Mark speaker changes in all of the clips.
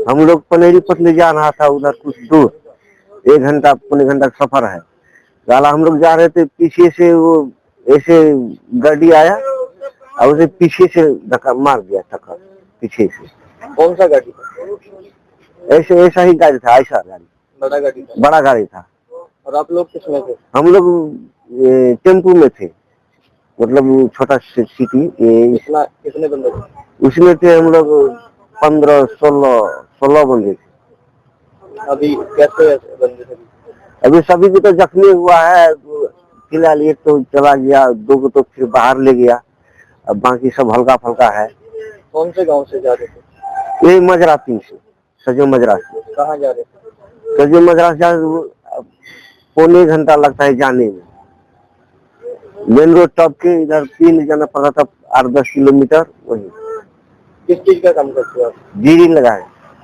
Speaker 1: हम लोग पनेरी पतली जा रहा था उधर कुछ दूर, 1 घंटा पौने घंटा का सफर है। साला हम लोग जा रहे थे, पीछे से वो ऐसे गाड़ी आया और उसे पीछे से धक्का मार दिया, टक्कर पीछे से।
Speaker 2: कौन सा गाड़ी था?
Speaker 1: ऐसे ऐसा ही गाड़ी था, ऐसा गाड़ी,
Speaker 2: बड़ा गाड़ी था।
Speaker 1: बड़ा गाड़ी था।
Speaker 2: और आप लोग किसमें थे?
Speaker 1: हम लोग टेम्पू में थे, मतलब छोटा सिटी।
Speaker 2: कितने बंदे थे?
Speaker 1: उसमें थे हम लोग 15-16 बंदे थे।
Speaker 2: अभी कैसे बंदे थे?
Speaker 1: अभी सभी को तो जख्मी हुआ है फिलहाल, एक तो चला गया, 2 को तो फिर बाहर ले गया, अब बाकी सब हल्का फल्का है।
Speaker 2: कौन से गांव से जा रहे थे?
Speaker 1: यही मजराती से, सजो मजराती।
Speaker 2: कहाँ जा रहे थे?
Speaker 1: सजो मजराती पौने घंटा लगता है जाने में। मेन रोड टॉप के इधर 3 जाना पड़ा था, 8-10 किलोमीटर। वही
Speaker 2: किस चीज का काम करते हो आप?
Speaker 1: जीरी लगाए।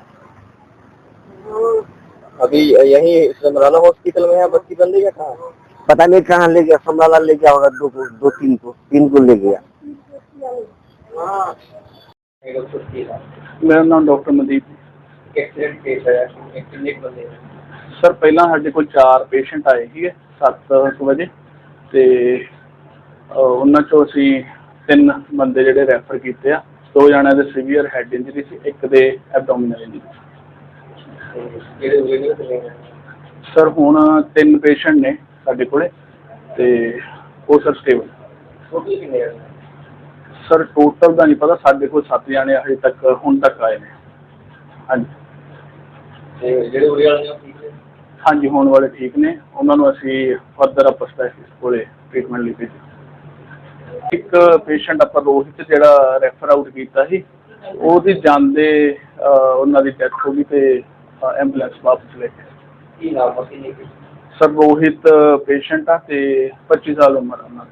Speaker 2: अभी यही समराला हॉस्पिटल में है बच्ची बंदी या कहाँ?
Speaker 1: पता नहीं कहाँ ले गया, समराला ले गया होगा, 2-3 को ले गया।
Speaker 3: मेरा नाम डॉक्टर मनदीप।
Speaker 2: एक्सीडेंट केस है, कितने बंदे हैं?
Speaker 3: सर पहला ਸਾਡੇ ਕੋਲ 4 ਪੇਸ਼ੈਂਟ ਆਏ ਸੀਗੇ 7 ਵਜੇ ਤੇ ਉਹਨਾਂ ਚੋਂ ਅਸੀਂ 3 ਬੰਦੇ ਜਿਹੜੇ ਰੈਫਰ ਕੀਤੇ ਆ। 2 ਜਣਿਆਂ ਦੇ ਸੀਵੀਅਰ ਹੈਡ ਇੰਜਰੀ ਸੀ, ਇੱਕ ਦੇ ਐਬਡੋਮੀਨਲ ਇੰਜਰੀ ਸੀ। ਸਰ ਹੁਣ 3 ਪੇਸ਼ੈਂਟ ਨੇ ਸਾਡੇ ਕੋਲੇ ਤੇ ਉਹ ਸਰ ਸਟੇਬਲ।
Speaker 2: ਟੋਟਲ ਕਿੰਨੇ ਆ?
Speaker 3: ਸਰ ਟੋਟਲ ਦਾ ਨਹੀਂ ਪਤਾ, ਸਾਡੇ ਕੋਲ 7 ਜਣੇ ਹਜੇ ਤੱਕ ਹੁਣ ਤੱਕ ਆਏ ਨੇ। ਹਾਂਜੀ
Speaker 2: ਤੇ ਜਿਹੜੇ ਉਰੇ ਵਾਲੇ ਨੇ ਠੀਕ ਨੇ?
Speaker 3: ਹਾਂਜੀ ਹੋਣ ਵਾਲੇ ਠੀਕ ਨੇ, ਉਹਨਾਂ ਨੂੰ ਅਸੀਂ ਫਰਦਰ ਆਪਾਂ ਸਪੈਸ਼ਲਿਸਟ ਕੋਲੇ ਟ੍ਰੀਟਮੈਂਟ ਲਈ ਭੇਜਿਆ। ਇੱਕ ਪੇਸ਼ੈਂਟ ਆਪਾਂ ਰੋਹਿਤ ਜਿਹੜਾ ਰੈਫਰ ਆਊਟ ਕੀਤਾ ਸੀ, ਉਹਦੀ ਜਾਂਦੇ ਉਹਨਾਂ ਦੀ ਡੈਥ ਹੋ ਗਈ ਤੇ ਐਂਬੂਲੈਂਸ ਵਾਪਸ ਲੈ ਕੇ।
Speaker 2: ਕੀ ਨਾਮ ਸੀ?
Speaker 3: ਸਰ ਰੋਹਿਤ ਪੇਸ਼ੈਂਟ ਆ ਤੇ 25 ਸਾਲ ਉਮਰ ਉਹਨਾਂ ਦੀ।